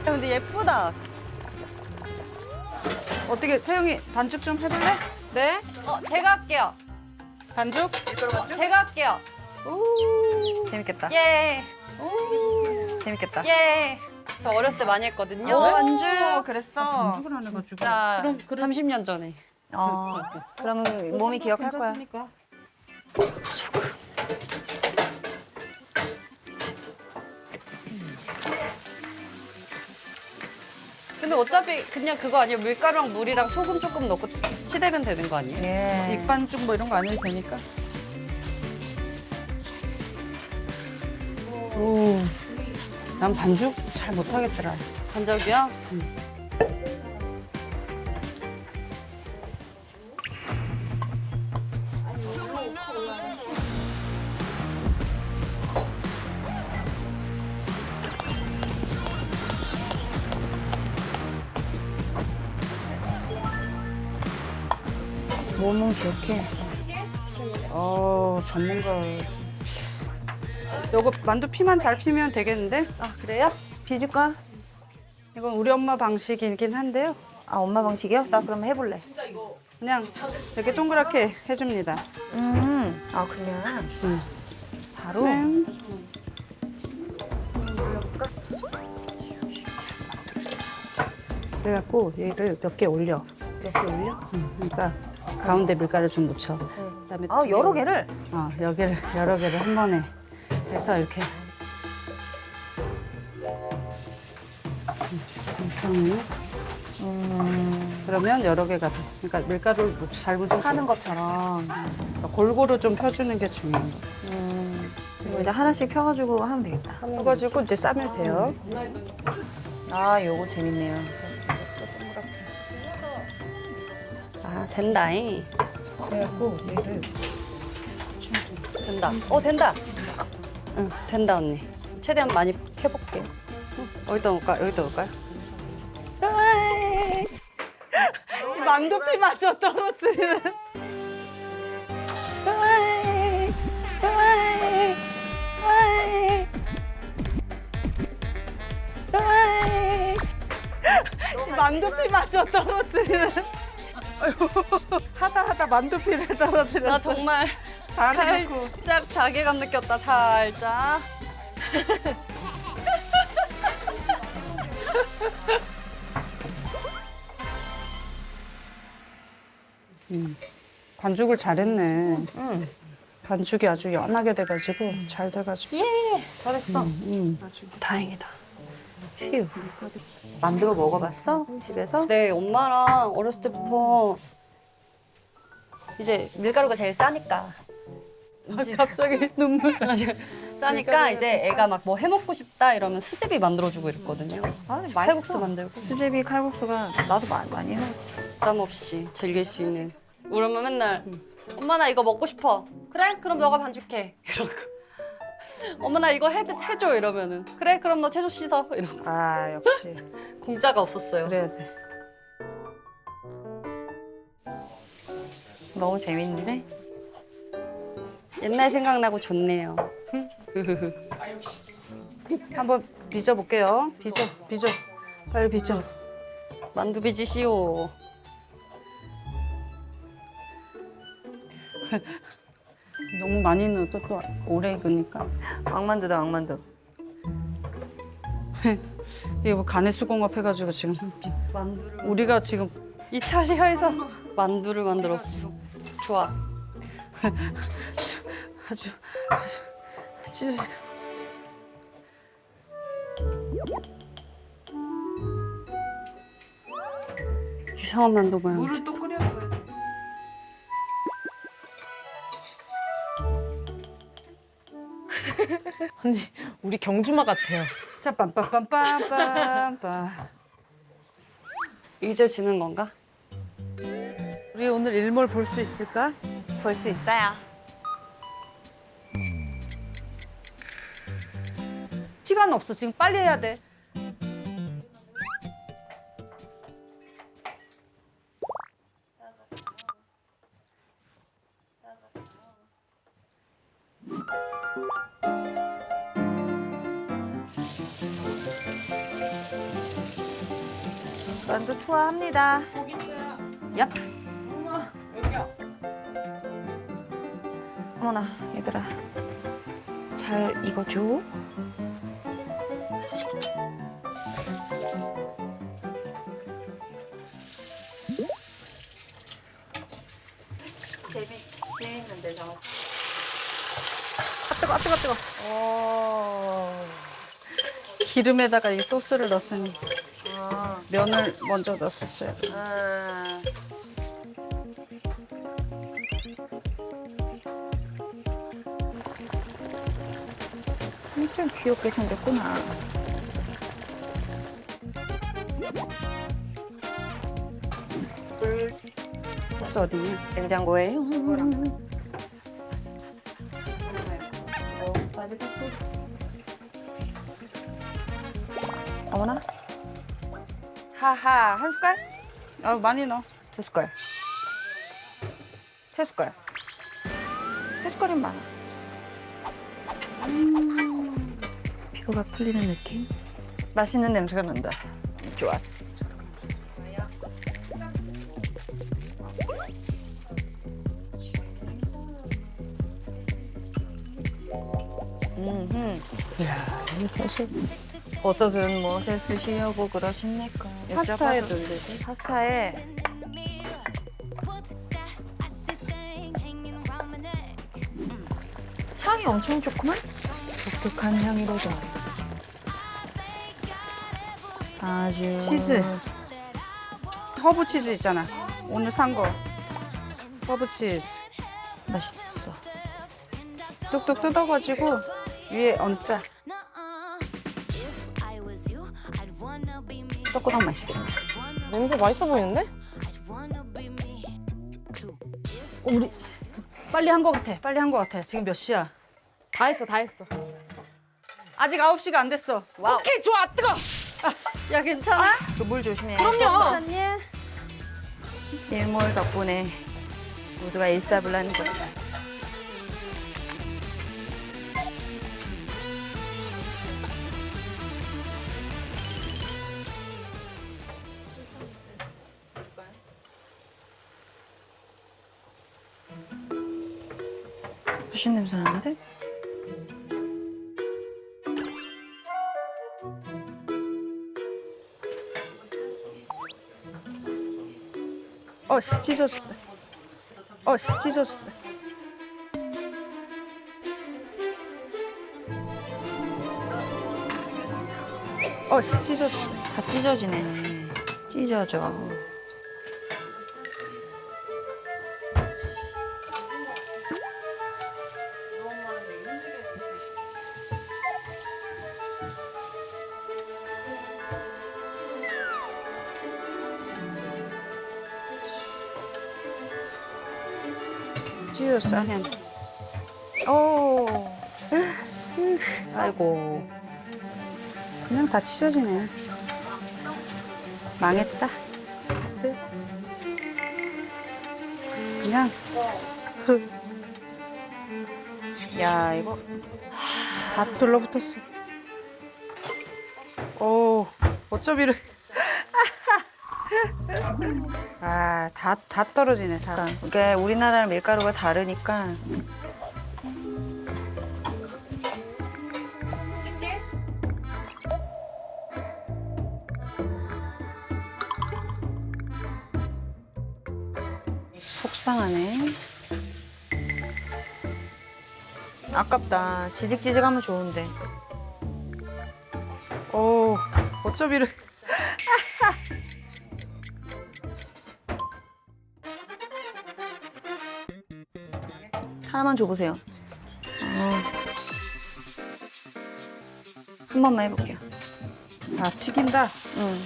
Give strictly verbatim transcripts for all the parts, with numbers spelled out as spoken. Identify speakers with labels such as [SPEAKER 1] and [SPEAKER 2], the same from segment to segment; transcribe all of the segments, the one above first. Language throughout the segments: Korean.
[SPEAKER 1] 근데 예쁘다.
[SPEAKER 2] 어떻게 채영이 반죽 좀 해볼래?
[SPEAKER 1] 네? 어, 제가 할게요.
[SPEAKER 2] 반죽?
[SPEAKER 1] 어, 제가 할게요.
[SPEAKER 3] 재밌겠다.
[SPEAKER 1] 예.
[SPEAKER 3] 재밌겠다.
[SPEAKER 1] 예. 저 어렸을 때 많이 했거든요.
[SPEAKER 3] 오, 반죽 그랬어.
[SPEAKER 2] 반죽을 안 해가지고.
[SPEAKER 1] 자,
[SPEAKER 2] 그럼 그럼
[SPEAKER 1] 삼십 년 전에.
[SPEAKER 3] 어, 그러면 몸이 기억할 거야.
[SPEAKER 2] 괜찮으니까.
[SPEAKER 1] 근데 어차피 그냥 그거 아니에요? 밀가루랑 물이랑 소금 조금 넣고 치대면 되는 거 아니에요?
[SPEAKER 3] 예.
[SPEAKER 2] 익반죽 뭐 이런 거 안 해도 되니까. 오, 난 반죽 잘 못하겠더라.
[SPEAKER 1] 반죽이요?
[SPEAKER 3] 몸은 기억해.
[SPEAKER 2] 어, 전문가. 요거 만두 피만 잘 피면 되겠는데?
[SPEAKER 1] 아, 그래요?
[SPEAKER 3] 비줄까?
[SPEAKER 2] 이건 우리 엄마 방식이긴 한데요.
[SPEAKER 3] 아, 엄마 방식이요? 나 그럼 해볼래.
[SPEAKER 2] 그냥 이렇게 동그랗게 해줍니다.
[SPEAKER 3] 음, 아, 그냥.
[SPEAKER 2] 음.
[SPEAKER 3] 바로.
[SPEAKER 2] 네. 그래갖고 얘를 몇 개 올려.
[SPEAKER 3] 몇 개 올려?
[SPEAKER 2] 음, 그러니까 가운데 밀가루 좀 묻혀.
[SPEAKER 3] 네.
[SPEAKER 2] 그다음에
[SPEAKER 3] 아,
[SPEAKER 2] 두
[SPEAKER 3] 여러
[SPEAKER 2] 개-
[SPEAKER 3] 개를?
[SPEAKER 2] 어, 여기를 여러 개를 한 번에 해서 이렇게. 음,
[SPEAKER 3] 음,
[SPEAKER 2] 그러면 여러 개가 돼. 그러니까 밀가루를 잘 묻혀.
[SPEAKER 3] 하는 것처럼.
[SPEAKER 2] 그러니까 골고루 좀 펴주는 게 중요한 거.
[SPEAKER 3] 음, 그리고 이제 하나씩 펴가지고 하면 되겠다.
[SPEAKER 2] 펴가지고 이제 싸면 돼요.
[SPEAKER 3] 아, 요거 재밌네요.
[SPEAKER 1] 아, 된다잉.
[SPEAKER 2] 그래갖고 얘를
[SPEAKER 1] 된다. 어, 된다. 응, 된다, 언니. 최대한 많이 해볼게요. 응, 어디다 놓을까? 여기다 놓을까요?
[SPEAKER 2] 이 만두피마저 떨어뜨리는. 이 만두피마저 떨어뜨리는. 하다 하다 만두피를 떨어뜨렸어.
[SPEAKER 1] 나 정말
[SPEAKER 2] 다 해놓고.
[SPEAKER 1] 살짝 자괴감 느꼈다, 살짝.
[SPEAKER 2] 음, 반죽을 잘했네. 반죽이 아주 연하게 돼가지고 잘 돼가지고.
[SPEAKER 1] 예, 잘했어.
[SPEAKER 2] 음.
[SPEAKER 1] 다행이다. 휴.
[SPEAKER 3] 만들어 먹어봤어? 집에서?
[SPEAKER 1] 네, 엄마랑 어렸을 때부터 이제 밀가루가 제일 싸니까.
[SPEAKER 2] 갑자기 눈물.
[SPEAKER 1] 싸니까 이제 애가 막 뭐 해먹고 싶다 이러면 수제비 만들어주고 이랬거든요.
[SPEAKER 3] 아, 근데
[SPEAKER 1] 칼국수
[SPEAKER 3] 맛있어.
[SPEAKER 1] 만들고.
[SPEAKER 3] 수제비 칼국수가 나도 마, 많이 해먹지.
[SPEAKER 1] 부담 없이 즐길 수 있는. 우리 엄마 맨날 엄마 나 이거 먹고 싶어. 그래? 그럼 너가 반죽해. 이러고. 엄마 나 이거 해, 해줘 이러면은 그래? 그럼 너 채소 씻어. 이러고.
[SPEAKER 2] 아, 역시.
[SPEAKER 1] 공짜가 없었어요.
[SPEAKER 2] 그래야 돼.
[SPEAKER 3] 너무 재밌는데?
[SPEAKER 1] 옛날 생각나고 좋네요.
[SPEAKER 2] 한번 빚어볼게요. 빚어, 빚어. 빨리 빚어.
[SPEAKER 1] 만두 빚이시오.
[SPEAKER 2] 너무 많이 넣어도 또 오래 익으니까.
[SPEAKER 3] 왕만두다, 왕만두.
[SPEAKER 2] 이게 뭐 간의 수공업 해가지고 지금.
[SPEAKER 1] 만두를
[SPEAKER 2] 우리가 지금
[SPEAKER 1] 이탈리아에서 만두를 만들었어. 좋아.
[SPEAKER 2] 아주, 아주, 아주.
[SPEAKER 1] 이상한 만두 모양.
[SPEAKER 2] 물을 또 끓여줘야 돼.
[SPEAKER 4] 언니, 우리 경주마 같아요.
[SPEAKER 2] 자, 빰빰빰빰빰빰.
[SPEAKER 1] 이제 지는 건가?
[SPEAKER 2] 우리 오늘 일몰 볼 수 있을까?
[SPEAKER 1] 볼 수 있어요.
[SPEAKER 2] 시간 없어. 지금 빨리 해야 돼.
[SPEAKER 3] 만두 투하합니다. 얍.
[SPEAKER 4] 여기요.
[SPEAKER 3] 어머나 얘들아 잘 익어줘. 재밌는데 저.
[SPEAKER 2] 아 뜨거, 아 뜨거, 뜨거. 기름에다가 이 소스를 넣었으니
[SPEAKER 3] 아.
[SPEAKER 2] 면을 먼저 넣었었어요.
[SPEAKER 3] 아. 좀 귀엽게 생겼구나.
[SPEAKER 2] 소스 어디냐?
[SPEAKER 3] 냉장고에요. 어머나. 하하 한 숟갈?
[SPEAKER 2] 아 많이 넣어.
[SPEAKER 3] 두 숟갈. 세 숟갈. 세 숟갈이면 많아. 음, 피로가 풀리는 느낌? 맛있는 냄새가 난다. 좋았어. 음,
[SPEAKER 2] 이야, 이거 사실
[SPEAKER 3] 버섯은 무엇에 쓰시려고 그러십니까?
[SPEAKER 2] 파스타에
[SPEAKER 3] 여쭤봐도-
[SPEAKER 2] 넣는데.
[SPEAKER 3] 파스타에 향이 엄청 좋구만. 독특한 향이로다. 아주
[SPEAKER 2] 치즈. 허브 치즈 있잖아. 오늘 산 거. 허브 치즈.
[SPEAKER 3] 맛있었어.
[SPEAKER 2] 뚝뚝 뜯어가지고 위에 얹자.
[SPEAKER 3] 떡고당 맛있겠네.
[SPEAKER 4] 냄새 맛있어 보이는데?
[SPEAKER 2] 우리 빨리 한 거 같아. 빨리 한 거 같아. 지금 몇 시야?
[SPEAKER 4] 다 했어, 다 했어.
[SPEAKER 2] 아직 아홉 시가 안 됐어.
[SPEAKER 3] 와우.
[SPEAKER 4] 오케이, 좋아, 뜨거.
[SPEAKER 2] 야 괜찮아?
[SPEAKER 3] 그 물 조심해.
[SPEAKER 4] 그럼요.
[SPEAKER 2] 괜찮니?
[SPEAKER 3] 일몰 덕분에 모두가 일사불란거리다. 무슨 냄새 나는데?
[SPEAKER 2] 어, 씨 찢어졌다. 어, 씨 찢어졌다. 어, 씨 찢어졌다.
[SPEAKER 3] 다 찢어지네. 찢어져.
[SPEAKER 2] 찢어졌어, 아니야.
[SPEAKER 3] 오. 아이고.
[SPEAKER 2] 그냥 다 찢어지네. 망했다. 그냥
[SPEAKER 3] 야, 이거
[SPEAKER 2] 다 둘러붙었어. 오, 어쩜 이렇게. 아, 다, 다 떨어지네, 다.
[SPEAKER 3] 이게 우리나라랑 밀가루가 다르니까 속상하네. 아깝다. 지직지직하면 좋은데.
[SPEAKER 2] 오, 어쩜 이렇게.
[SPEAKER 3] 하나만 줘보세요. 어. 한 번만 해볼게요.
[SPEAKER 2] 아, 튀긴다.
[SPEAKER 3] 응.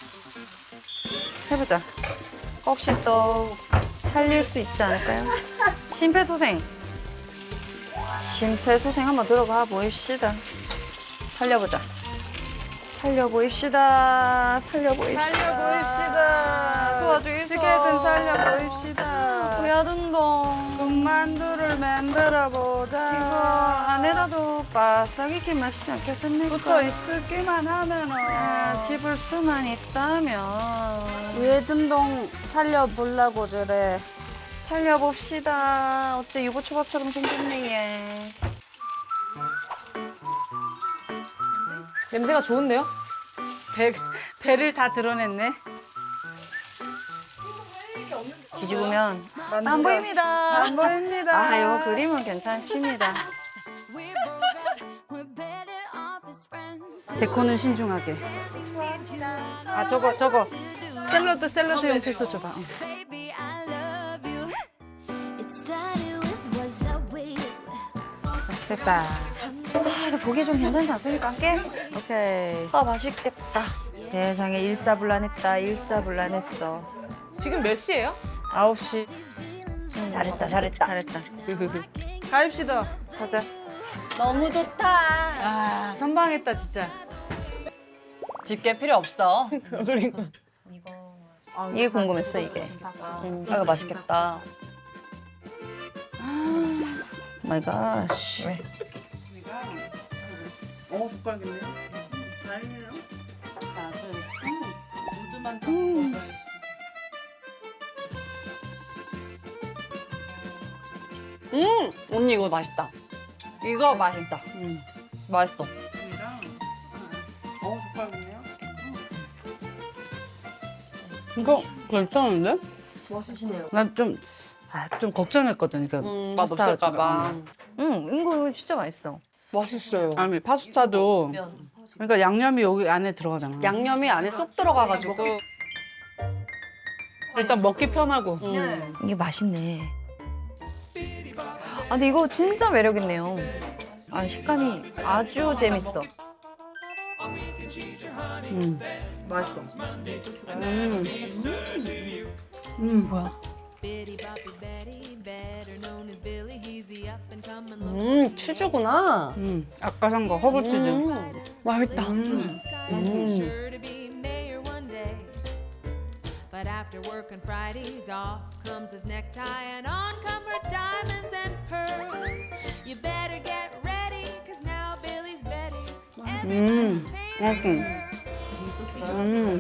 [SPEAKER 3] 해보자. 혹시 또 살릴 수 있지 않을까요? 심폐소생. 심폐소생 한번 들어가 보입시다. 살려보자. 살려보입시다. 살려보입시다.
[SPEAKER 2] 살려보입시다.
[SPEAKER 3] 도와주겠어.
[SPEAKER 2] 어떻게든 살려보입시다.
[SPEAKER 3] 해야 된다.
[SPEAKER 2] 만두를 만들어 보자.
[SPEAKER 3] 이거 안에라도 바싹 익게 맛있지 않겠습니까?
[SPEAKER 2] 붙어 있을기만 하면은
[SPEAKER 3] 아, 집을 수만 있다면
[SPEAKER 2] 외등동 살려보려고 저래.
[SPEAKER 3] 살려봅시다. 어째 유부초밥처럼 생겼네 얘.
[SPEAKER 4] 냄새가 좋은데요?
[SPEAKER 2] 배, 배를 다 드러냈네.
[SPEAKER 3] 뒤집으면 안 보입니다.
[SPEAKER 2] 안 보입니다.
[SPEAKER 3] 아, 이거 그림은 괜찮습니다.
[SPEAKER 2] 데코는 신중하게. 아 저거 저거 샐러드 샐러드용 채소 줘봐. 응. 됐다.
[SPEAKER 3] 아, 보기 좀 괜찮지 않습니까? 함께?
[SPEAKER 2] 오케이.
[SPEAKER 1] 아 맛있겠다.
[SPEAKER 3] 세상에 일사불란했다. 일사불란했어.
[SPEAKER 4] 지금 몇 시예요?
[SPEAKER 2] 아홉 시.
[SPEAKER 3] 잘했다, 잘했다. 잘했다.
[SPEAKER 2] 가입시다.
[SPEAKER 3] 가자.
[SPEAKER 1] 너무 좋다.
[SPEAKER 2] 아 선방했다 진짜.
[SPEAKER 1] 집게 필요 없어.
[SPEAKER 4] 그러니까.
[SPEAKER 3] 이게 궁금했어, 이게.
[SPEAKER 1] 아, 이거 맛있겠다.
[SPEAKER 3] 마이 갓.
[SPEAKER 2] 어 젓가락이네요. 다행이네요. 모두만 다
[SPEAKER 3] 음.
[SPEAKER 1] 음 언니 이거 맛있다. 이거 맛있다.
[SPEAKER 2] 음.
[SPEAKER 1] 맛있어.
[SPEAKER 2] 어 젓가락이네요. 이거 괜찮은데?
[SPEAKER 1] 맛있네요.
[SPEAKER 2] 난좀 아, 좀 걱정했거든. 이거
[SPEAKER 1] 음,
[SPEAKER 2] 파스타
[SPEAKER 1] 맛없을까봐.
[SPEAKER 3] 응, 이거 진짜 맛있어.
[SPEAKER 1] 맛있어요.
[SPEAKER 2] 아니 파스타도 그러니까 양념이 여기 안에 들어가잖아.
[SPEAKER 1] 양념이 안에 쏙 들어가가지고.
[SPEAKER 2] 일단 먹기 편하고.
[SPEAKER 1] 음.
[SPEAKER 3] 이게 맛있네. 아, 근데 이거 진짜 매력있네요. 아, 식감이 아주 재밌어.
[SPEAKER 2] 음.
[SPEAKER 1] 맛있어.
[SPEAKER 2] 음. 음 뭐야?
[SPEAKER 1] 음 치즈구나.
[SPEAKER 2] 음 아까 산 거 허브 치즈.
[SPEAKER 1] 음, 맛있다.
[SPEAKER 2] 음. 음.
[SPEAKER 5] But after work on Fridays, off comes his necktie and on come her diamonds and pearls. You better get ready, cause now Billy's Betty.
[SPEAKER 2] 음. 맛있어. 음.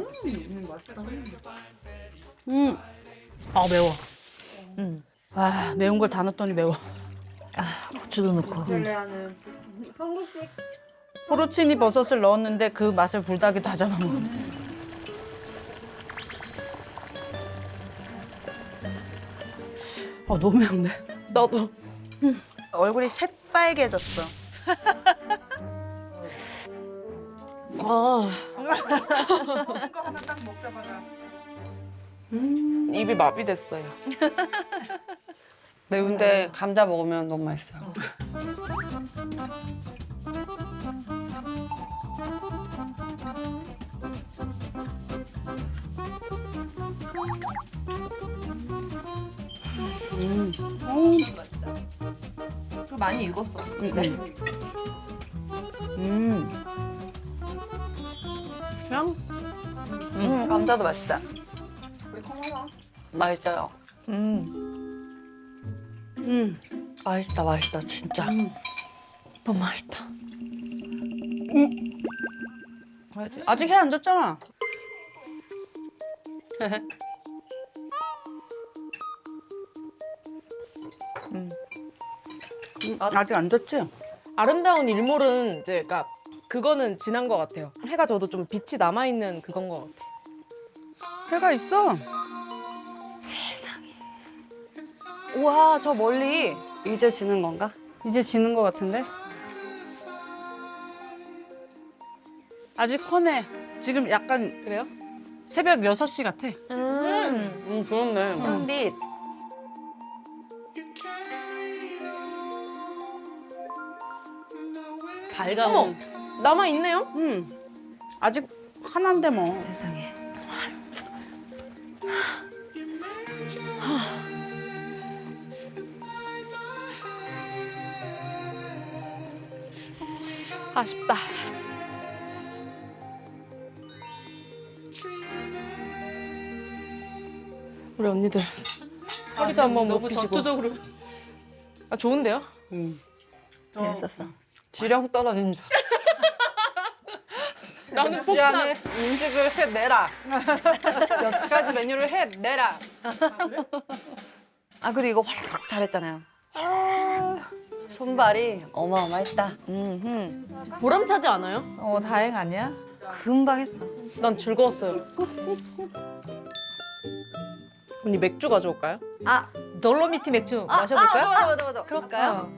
[SPEAKER 2] 음. 아 매워.
[SPEAKER 3] 음.
[SPEAKER 2] 아 매운 걸 다 넣었더니 매워.
[SPEAKER 3] 고추도 넣고.
[SPEAKER 2] 포르치니 버섯을 넣었는데 그 맛을 불닭이 다 잡아먹었어. 아 너무 매운데?
[SPEAKER 4] 나도.
[SPEAKER 3] 얼굴이 새빨개졌어.
[SPEAKER 4] 아. 입이 마비됐어요.
[SPEAKER 1] 매운데 감자 먹으면 너무 맛있어요.
[SPEAKER 3] 많이 익었어.
[SPEAKER 2] 음. 음.
[SPEAKER 1] 그냥
[SPEAKER 3] 음, 감자도 맛있다.
[SPEAKER 1] 맛있어요.
[SPEAKER 3] 음.
[SPEAKER 2] 음.
[SPEAKER 1] 맛있다, 맛있다, 진짜. 너무 맛있다.
[SPEAKER 2] 아직 해 안 졌잖아. 음. 음, 아직 안 졌지?
[SPEAKER 4] 아름다운 일몰은 이제 그러니까 그거는 지난 것 같아요. 해가 져도 좀 빛이 남아 있는 그건 것 같아.
[SPEAKER 2] 해가 있어.
[SPEAKER 1] 우와, 저 멀리. 이제 지는 건가?
[SPEAKER 2] 이제 지는 것 같은데? 아직 훤해. 지금 약간
[SPEAKER 4] 그래요?
[SPEAKER 2] 새벽 여섯 시 같아.
[SPEAKER 1] 음, 음 그렇네.
[SPEAKER 3] 햇빛.
[SPEAKER 1] 밝아.
[SPEAKER 4] 어머, 남아 있네요.
[SPEAKER 2] 음. 아직 하나인데 뭐.
[SPEAKER 3] 세상에.
[SPEAKER 4] 아쉽다. 우리 언니들 허리도 한번 못
[SPEAKER 2] 너무
[SPEAKER 4] 피시고.
[SPEAKER 2] 전투적으로.
[SPEAKER 4] 아 좋은데요?
[SPEAKER 3] 재밌었어.
[SPEAKER 2] 지령 떨어진 줄.
[SPEAKER 4] 나는
[SPEAKER 2] 시
[SPEAKER 4] 폭탄.
[SPEAKER 2] 안에 음식을 해내라. 몇 가지 메뉴를 해내라.
[SPEAKER 3] 아 그래도 이거 활짝 잘했잖아요.
[SPEAKER 1] 손발이 어마어마했다.
[SPEAKER 3] 음,
[SPEAKER 4] 보람차지 않아요?
[SPEAKER 2] 어 다행 아니야?
[SPEAKER 3] 금방 했어.
[SPEAKER 4] 난 즐거웠어요. 언니 맥주 가져올까요?
[SPEAKER 2] 아 돌로미티 맥주
[SPEAKER 1] 아,
[SPEAKER 2] 마셔볼까요?
[SPEAKER 1] 아, 맞아, 맞아, 맞아. 그럴까요?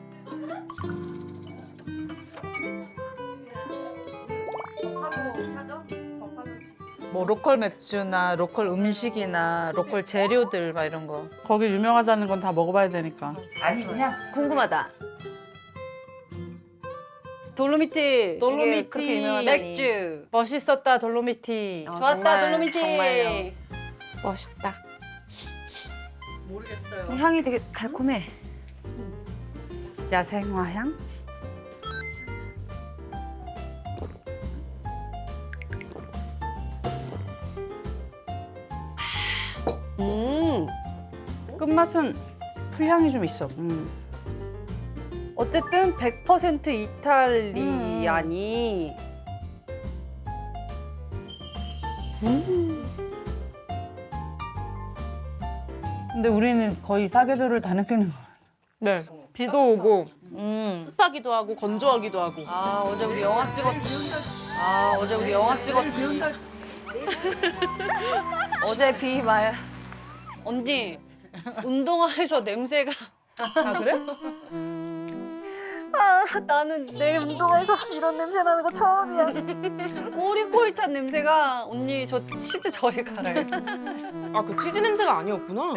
[SPEAKER 2] 뭐 로컬 맥주나 로컬 음식이나 로컬 재료들 막 이런 거. 거기 유명하다는 건 다 먹어봐야 되니까. 아니 그냥
[SPEAKER 1] 궁금하다. 돌로미티.
[SPEAKER 2] 돌로미티
[SPEAKER 3] 그렇게 유명하다니.
[SPEAKER 1] 맥주.
[SPEAKER 2] 멋있었다 돌로미티.
[SPEAKER 3] 아,
[SPEAKER 1] 좋았다,
[SPEAKER 3] 정말,
[SPEAKER 1] 돌로미티.
[SPEAKER 3] 정말요.
[SPEAKER 4] 멋있다.
[SPEAKER 3] 향이 되게 달콤해.
[SPEAKER 2] 야생화향?
[SPEAKER 1] 음.
[SPEAKER 2] 끝맛은 풀향이 좀 있어. 음.
[SPEAKER 1] 어쨌든 백 퍼센트 이탈리아니.
[SPEAKER 2] 근데 우리는 거의 사계절을 다 느끼는 거.
[SPEAKER 4] 네. 비도 오고
[SPEAKER 3] 음.
[SPEAKER 4] 습하기도 하고 건조하기도 하고.
[SPEAKER 1] 아, 어제 우리 영화 찍었지. 아, 어제 우리 영화 찍었지.
[SPEAKER 3] 어제 비 말.
[SPEAKER 1] 언니, 운동화에서 냄새가.
[SPEAKER 2] 아 그래?
[SPEAKER 3] 아 나는 내 운동화에서 이런 냄새 나는 거 처음이야.
[SPEAKER 1] 꼬릿꼬릿한 냄새가. 언니, 저 치즈 저리 갈아요.
[SPEAKER 4] 아 그 치즈 냄새가 아니었구나.